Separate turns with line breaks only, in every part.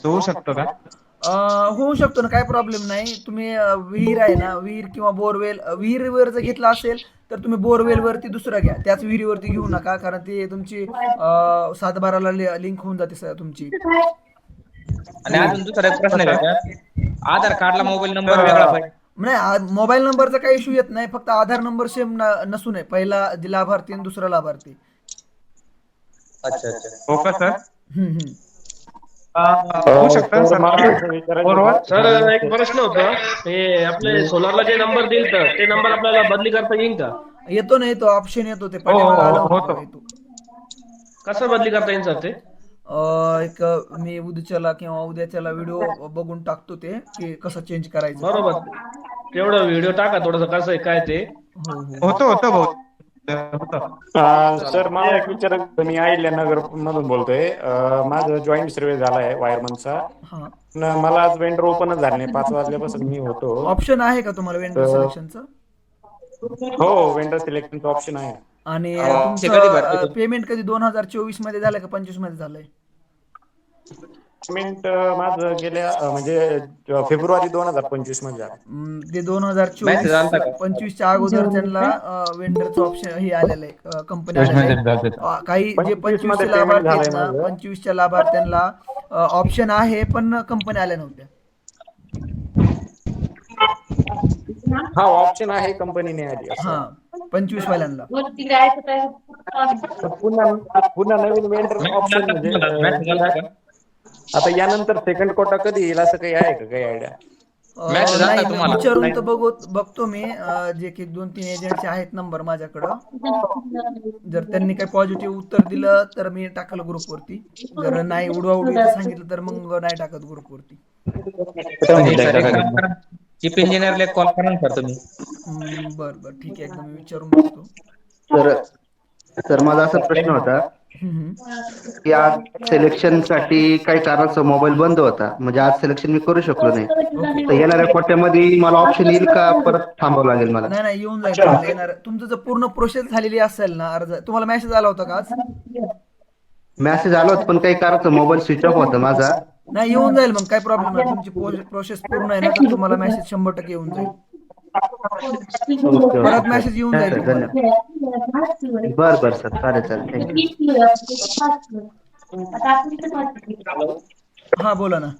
होऊ शकतो का?
होऊ शकतो ना, काही प्रॉब्लेम नाही. तुम्ही विहीर आहे ना, विहीर किंवा बोरवेल विहिरीवर जर घेतला असेल, तर तुम्ही बोरवेलवरती दुसरा घ्या. त्याच विहिरीवरती घेऊ नका, कारण ती तुमची 7/12ला लिंक होऊन जाते तुमची.
आणि अजून दुसरा एक प्रश्न आहे
कसं?
त्याच्यात, आधार कार्डला मोबाईल नंबर वेगळा
तर
पाहिजे.
नाही, मोबाईल नंबरचा काही इश्यू येत नाही. फक्त आधार नंबर सेम नसू नये. पहिला लाभार्थी आणि दुसरा लाभार्थी.
अच्छा अच्छा.
हो का सर?
हं, हं.
होऊ शकतं
सर
सर
मला
ते
असं विचारायचं
बरोबर?
होतं
सर
नवीन
एक प्रश्न होता. हे आपले सोलारला जे नंबर दिल तर ते नंबर आपल्याला बदली करता येईल का?
येतो ना, येतो ऑप्शन येतो. ते
हो हो
पाठीमागं आलं
हो
होतं
होतो.
बघा, येतो.
कसं बदली करता येईल सर ते?
एक मी उद्याच्याला किंवा उद्याच्याला व्हिडिओ बघून टाकतो ते, की कसं चेंज करायचं ते.
बरोबर. तेवढं व्हिडिओ टाका थोडंसं कसं आहे काय ते.
हो, हो, हो.
होतं होतं भाऊ. होतं.
सर
चालेल.
मला एक विचारायचं होतं. मी अहिल्यानगर मधून बोलतोय. माझं जॉईंट सर्वे झाला आहे वायरमनचा.
हां.
पण मला आज वेंडर ओपनच झाले नाही. 5 वाजल्यापासून मी होतो.
ऑप्शन आहे का तुम्हाला वेंडर
तर
सिलेक्शनचं?
हो, वेंडर सिलेक्शनचं ऑप्शन आहे.
आणि
ते कधी भरते
तुमचं
तुम्ही?
पेमेंट कधी 2024 मध्ये झालंय का 25 मध्ये झालंय?
पेमेंट माझं गेल्या म्हणजे फेब्रुवारी 2025 मध्ये झालं.
ते
मेसेज
2024
आलता का?
25च्या अगोदर त्यांना वेंडरचं ऑप्शन हे आलेलं आहे, कंपनी आलेलं आहे.
प्रश्न झाले.
काही जे
25 मध्ये
25चे
पेमेंट
लाभार्थी
झालंय
आहेत ना,
माझं.
25च्या लाभार्थ्यांना ऑप्शन आहे, पण कंपनी आल्या नव्हत्या.
हा, ऑप्शन आहे, कंपनी नाही आली असं.
हां, 25 वाल्यांना.
पुन्हा पुन्हा नवीन वेंडर
मेसेज
ऑप्शन
आलता का
म्हणजे
तुम्हाला? मेसेज आलता का?
आता यानंतर सेकंड कोटा कधी येईल असं काही आहे का, काही आयडिया?
मेसेज आलता
नाही,
का
मी
तुम्हाला?
विचारून
नाही.
तर बघतो मी. जे की 2-3 एजंटचे आहेत नंबर माझ्याकडं. जर त्यांनी काही पॉझिटिव्ह उत्तर दिलं तर मी टाकलं ग्रुपवरती. जर नाही, उडवाउडवीचं सांगितलं तर मग नाही टाकत ग्रुपवरती.
आणि सर एक काम करा, चीफ इंजिनियरला एक कॉल करा ना सर तुम्ही.
बरं, बरं. ठीक आहे. एकदा मी विचारून बघतो.
तर तर माझा असा प्रश्न होता
हं, हं.
की आज सिलेक्शनसाठी काही कारणास्तव मोबाईल बंद होता. म्हणजे आज सिलेक्शन मी करू शकलो नाही.
ओके.
तर येणाऱ्या कोट्यामध्ये मला ऑप्शन येईल का परत थांबावं लागेल मला?
नाही, नाही. येऊन जाईल तुम्हाला. येणार तुमचं जर पूर्ण प्रोसेस झालेली असेल ना, अर्ज तुम्हाला मेसेज आला होता का आज?
मेसेज आला होता पण काही कारणास्तव मोबाईल स्विच ऑफ होता माझा.
नाही, येऊन जाईल मग, काही प्रॉब्लेम नाही. तुमची प्रोसेस पूर्ण आहे ना, तर तुम्हाला मेसेज 100% येऊन जाईल.
ओके
परत
ओके सर.
मेसेज येऊन
नाही
जाईल
सर
तुम्हाला.
धन्यवाद. बरं बरं सर चालेल चालेल थँक्यू.
हां, बोला ना.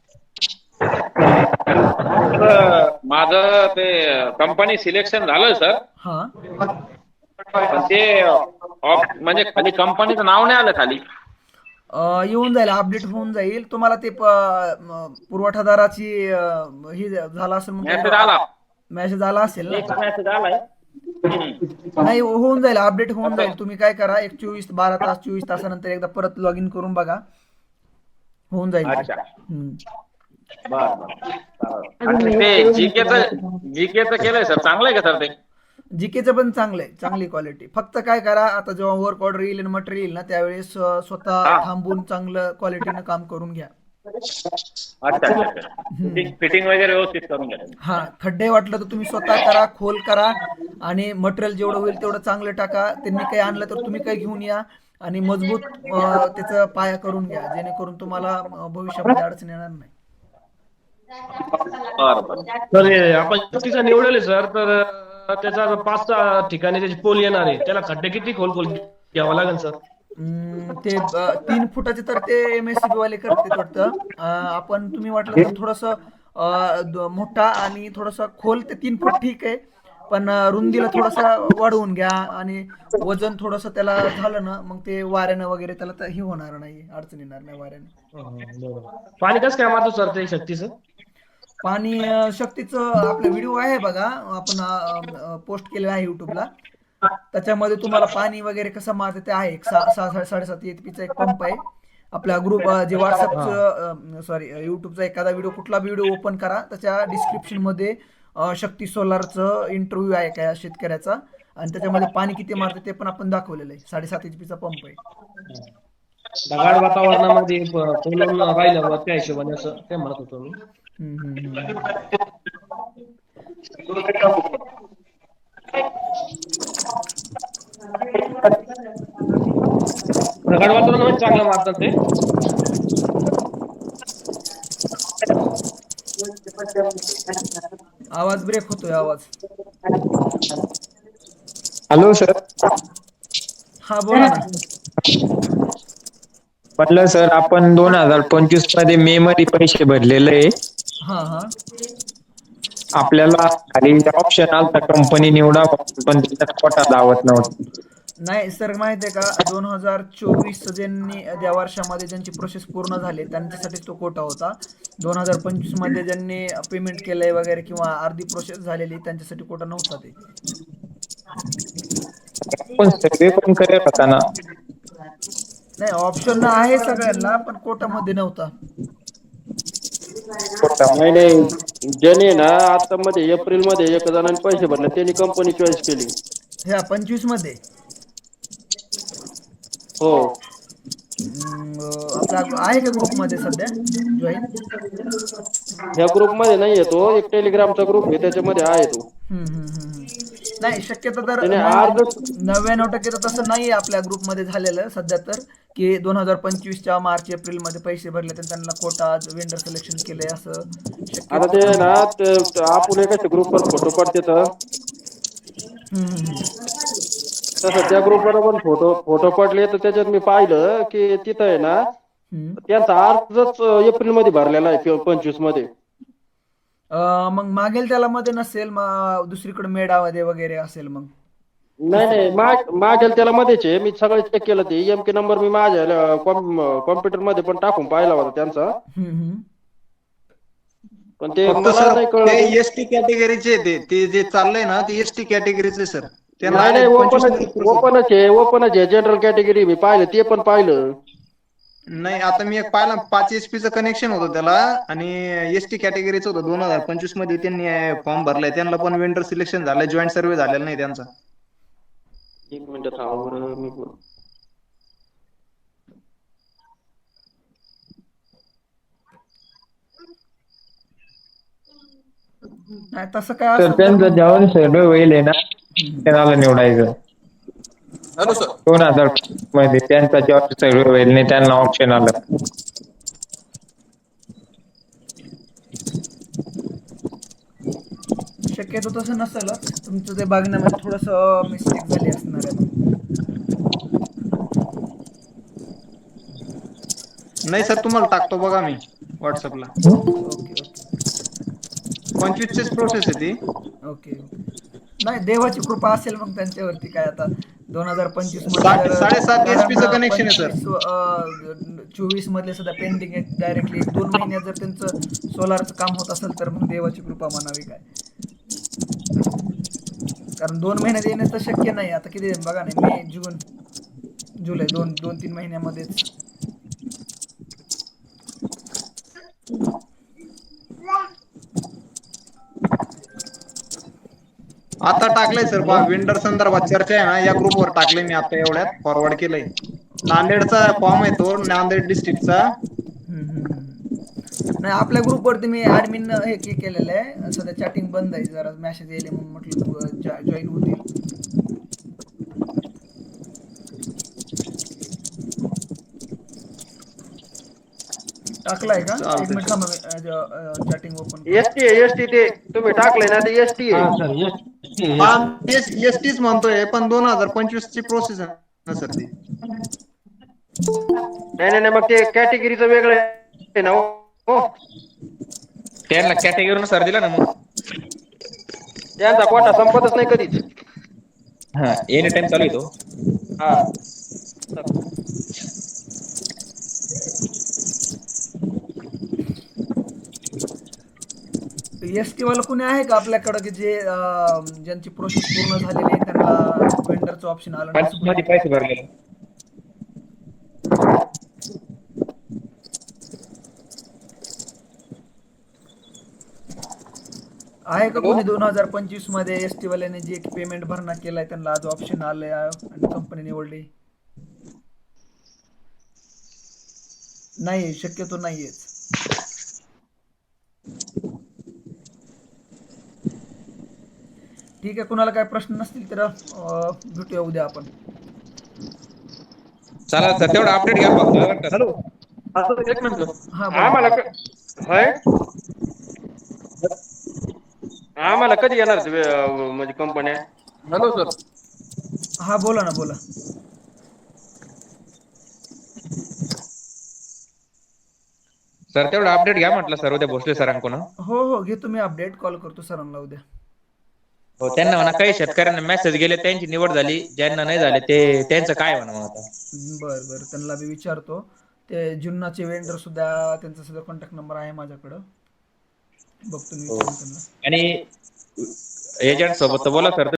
माझं ते कंपनी सिलेक्शन झालं सर.
हां.
पण ते म्हणजे खाली कंपनीचं नाव नाही आलं खाली.
येऊन जाईल, अपडेट होऊन जाईल. तुम्हाला ते पुरवठादाराची हे झालं असेल मग
मेसेज आला.
मेसेज आला असेल ना?
एक मेसेज आलाय.
नाही, होऊन जाईल, अपडेट होऊन जाईल. तुम्ही काय करा, एक 12 तास 24 तासानंतर एकदा परत लॉग इन करून बघा. होऊन जाईल ते.
अच्छा.
हं.
बर बर. आणि ते जीकेचं केलंय सर, चांगलंय का सर ते?
जीकेचं पण चांगलं आहे, चांगली क्वालिटी. फक्त काय करा, आता जेव्हा वर्क ऑर्डर येईल आणि मटेरियल येईल ना, त्यावेळेस स्वतः
हा.
थांबून चांगलं क्वालिटीनं काम करून घ्या.
अच्छा अच्छा अच्छा. फिटिंग वगैरे व्यवस्थित करून घ्या.
हां, खड्डे वाटलं तर तुम्ही स्वतः करा, खोल करा आणि मटेरियल जेवढं होईल तेवढं चांगलं टाका. त्यांनी काही आणलं तर तुम्ही काही घेऊन या आणि मजबूत त्याचा पाया करून घ्या, जेणेकरून तुम्हाला भविष्यामध्ये अडचण येणार नाही.
बर बर.
तर हे आपण तिचा निवडेल सर, तर त्याचा 5-6 ठिकाणी त्याची पोल येणार आहे. त्याला खड्डे किती खोल खोल घ्यावा लागेल सर?
ते 3 फुटाचे तर ते एम-एस-सी-बी वाले करतात वाटतं. तुम्ही वाटलं तर थोडंसं मोठा आणि थोडासा खोल, ते 3 फूट ठीक आहे. पण रुंदीला थोडासा वाढवून घ्या आणि वजन थोडंसं त्याला झालं ना, मग ते वाऱ्यानं वगैरे त्याला तर हे होणार नाही, अडचण येणार नाही वाऱ्याने.
बरोबर. पाणी कसं काय मारतो सर ते शक्तीचं?
पाणी शक्तीचं आपला व्हिडिओ आहे बघा, आपण पोस्ट केलेला आहे YouTubeला. त्याच्यामध्ये तुम्हाला पाणी वगैरे कसं मारते ते आहे. एक 6-7 एचपीचा एक पंप आहे. आपल्या ग्रुप जे WhatsAppचं सॉरी YouTubeचा एखादा व्हिडिओ, कुठला व्हिडिओ ओपन करा, त्याच्या डिस्क्रिप्शनमध्ये शक्ती सोलारचं इंटरव्ह्यू आहे काय शेतकऱ्याचा, आणि त्याच्यामध्ये पाणी किती मारते ते पण आपण दाखवलेलं आहे. 7.5 एचपीचा पंप आहे.
ढगाळ वातावरणामध्ये फुलून राहिल्यावर त्या हिशोबाने असं ते म्हणत होतो मी.
हं, हं, हं, हं.
ढगाळ वातावरणामध्ये चांगलं मारतात ते.
आवाज ब्रेक होतोय आवाज.
Hello sir.
हा बोला ना.
म्हटलं सर आपण 2025 मध्ये मे मध्ये पैसे भरलेले आहे.
हा हा.
आपल्याला खाली ऑप्शन आलता कंपनी निवडा पण त्याच्यात कोटा दावत नव्हता.
नाही सर माहिती आहे का 2024 ज्यांनी ज्या वर्षामध्ये ज्यांची प्रोसेस पूर्ण झाली त्यांच्यासाठीच तो कोटा होता. 2025 मध्ये ज्यांनी पेमेंट केलंय वगैरे किंवा अर्धी प्रोसेस झालेली त्यांच्यासाठी कोटा नव्हता ते.
पण सर्वे पण करेल होता ना.
नाही ऑप्शन आहे सगळ्यांना पण कोटामध्ये नव्हता.
कोटा
नाही नाही, ज्याने ना आता मध्ये एप्रिल मध्ये एक जणांनी पैसे भरले त्यांनी कंपनी चॉईस केली.
ह्या 25 मध्ये
हो.
आपला आहे का ग्रुपमध्ये सध्या जॉईन?
ह्या ग्रुप मध्ये नाही येतो, एक टेलिग्रामचा ग्रुप आहे त्याच्यामध्ये आहे तो.
नाही शक्यतो तर
त्याने अर्ज
99% तर तसं नाही आपल्या ग्रुपमध्ये झालेलं सध्या तर की 2025च्या मार्च एप्रिल मध्ये पैसे भरले तर त्यांना कोटा वेंडर सिलेक्शन केलंय असं
आता
शक्यतो
ते
नाही.
ना आपण एका ग्रुपवर फोटो पडते तसं त्या ग्रुपवर पण फोटो पडले तर त्याच्यात मी पाहिलं की तिथं आहे ना त्यांचा अर्जच एप्रिल मध्ये भरलेला आहे 25 मध्ये.
मग मागेल त्याला मध्ये नसेल मग दुसरीकडे मेडामध्ये वगैरे असेल मग.
नाही नाही, मागेल त्याला मध्येच आहे. मी सगळं चेक केलं ते EMK नंबर मी माझ्या कॉम्प्युटर मध्ये पण टाकून पाहिला होता त्यांचा. पण ते
फक्त
मला
सर
नाही
ते
कळलं.
एसटी कॅटेगरीचे ते जे चाललंय ना ते एसटी कॅटेगरीचे सर.
नाही नाही, ओपनच आहे जनरल कॅटेगरी. मी पाहिलं ते पण पाहिलं.
नाही आता मी एक पाहिला 5 HP चं कनेक्शन होतं त्याला आणि एसटी कॅटेगरीचं होतं. 2025 मध्ये त्यांनी फॉर्म भरलाय, त्यांना पण वेंडर सिलेक्शन झालंय, जॉईंट सर्वे झालेला नाही त्यांचा.
एक मिनिट थांबा बरं मी
नाही तसं काय
तर
असेल तर
त्यांचं जेवण सर्वे होईल ना त्याला निवडायचं. 2000 मध्ये त्यांचा जेव्हा सर्वे होईल नाही त्यांना ऑप्शन आलं.
शक्यतो तसं नसेलच, तुमचं ते बघण्यामध्ये थोडंसं मिस्टेक झाली असणार आहे मग.
नाही सर तुम्हाला टाकतो बघा मी व्हॉट्सअपला.
ओके ओके
25 प्रोसेस आहे ती.
Okay okay. नाही देवाची कृपा असेल मग त्यांच्यावरती काय आता 2025 मध्ये जर
7.5 HP चं
कारण
कनेक्शन आहे सर.
24 मधले सुद्धा पेंडिंग आहे डायरेक्टली 1-2 महिन्यात जर त्यांचं सोलारचं काम होत असेल तर मग देवाची कृपा म्हणावी काय. कारण 2 महिन्यात येणं तर शक्य नाही. आता किती बघा ना मे जून जुलै 2-3 महिन्यामध्येच.
आता टाकलंय सर पहा, वेंडर संदर्भात चर्चा आहे ना या ग्रुपवर टाकलंय मी आता एवढ्यात फॉरवर्ड केलंय. नांदेडचा फॉर्म आहे तो, नांदेड डिस्ट्रिक्टचा.
नाही आपल्या ग्रुपवरती मी ऍडमिन हे केलेलं आहे. सध्या चॅटिंग बंद आहे, जरा मेसेज येईल म्हणून म्हटलं जॉईन होतील. टाकलाय का? एक मिनिट थांबा चॅटिंग ओपन करतो.
एसटी ते तुम्ही टाकलंय ना ते एसटी आहे.
एसटीच म्हणतोय पण 2025 ची प्रोसेस आहे ना सर ती.
नाही नाही नाही, मग ते कॅटेगरीचं वेगळं आहे ना हो.
त्यांना कॅटेगरीनुसार दिला ना मग.
त्यांचा कोटा संपतच नाही कधीच.
हा एनी टाइम चालू आहे तो.
हा
एसटी वाला कोणी आहे का आपल्याकडं की जे ज्यांची प्रोसेस पूर्ण झालेली आहे त्यांना वेंडरचं ऑप्शन आलं नाही असं
मध्ये
कोणी?
पैसे भरलेले.
आहे का कोणी 2025 मध्ये एसटी वाल्याने जे पेमेंट भरणा केलाय त्यांना आज ऑप्शन आलंय आणि कंपनी निवडली? नाही शक्यतो नाहीयेच. ठीक आहे, कुणाला काय प्रश्न नसतील तर भेटूया उद्या आपण.
चला सर तेवढा अपडेट घ्या फक्त. हॅलो
एक मिनिट.
हा बोला.
आम्हाला होय आम्हाला कधी येणार म्हणजे कंपन्या?
Hello sir.
हा बोला ना बोला.
सर तेवढं अपडेट घ्या म्हटलं सर उद्या भोसले सरांकडून.
हो हो घेतो मी अपडेट, कॉल करतो सरांना उद्या.
हो त्यांना म्हणा काही शेतकऱ्यांना मेसेज गेले त्यांची निवड झाली, ज्यांना नाही झाले ते त्यांचं काय म्हणा मग आता.
बर बर त्यांना बी विचारतो. ते जुन्नाचे वेंडर सुद्धा त्यांचा सुद्धा कॉन्टॅक्ट नंबर आहे माझ्याकडं, बघतो मी विचारून त्यांना.
आणि एजंट सोबत तर बोला सर